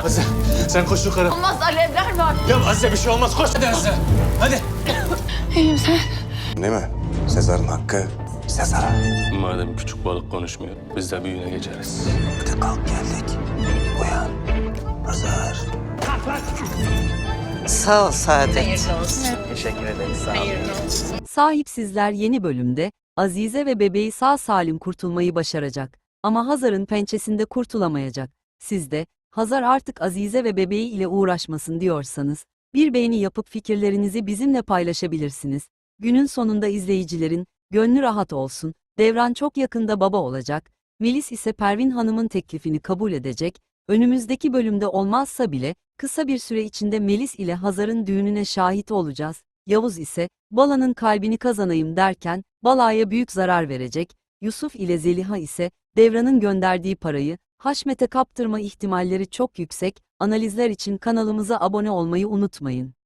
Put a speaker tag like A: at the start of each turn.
A: Azize sen koş yukarı.
B: Olmaz, alevler var.
A: Ya Azize bir şey olmaz koş hadi Azize. Hadi.
B: İyiyim sen.
C: Değil mi? Sezar'ın hakkı Sezar'a.
D: Madem küçük balık konuşmuyor, biz de büyüğüne geçeriz.
C: Hadi kalk geldik. Uyan. Hazar.
E: Sağ ol Saadet.
C: Teşekkür ederiz. Sağ ol.
F: Sahipsizler yeni bölümde Azize ve bebeği sağ salim kurtulmayı başaracak. Ama Hazar'ın pençesinde kurtulamayacak. Siz de Hazar artık Azize ve bebeği ile uğraşmasın diyorsanız bir beğeni yapıp fikirlerinizi bizimle paylaşabilirsiniz. Günün sonunda izleyicilerin gönlü rahat olsun. Devran çok yakında baba olacak. Melis ise Pervin Hanım'ın teklifini kabul edecek. Önümüzdeki bölümde olmazsa bile kısa bir süre içinde Melis ile Hazar'ın düğününe şahit olacağız. Yavuz ise Bala'nın kalbini kazanayım derken Bala'ya büyük zarar verecek. Yusuf ile Zeliha ise Devran'ın gönderdiği parayı Haşmet'e kaptırma ihtimalleri çok yüksek. Analizler için kanalımıza abone olmayı unutmayın.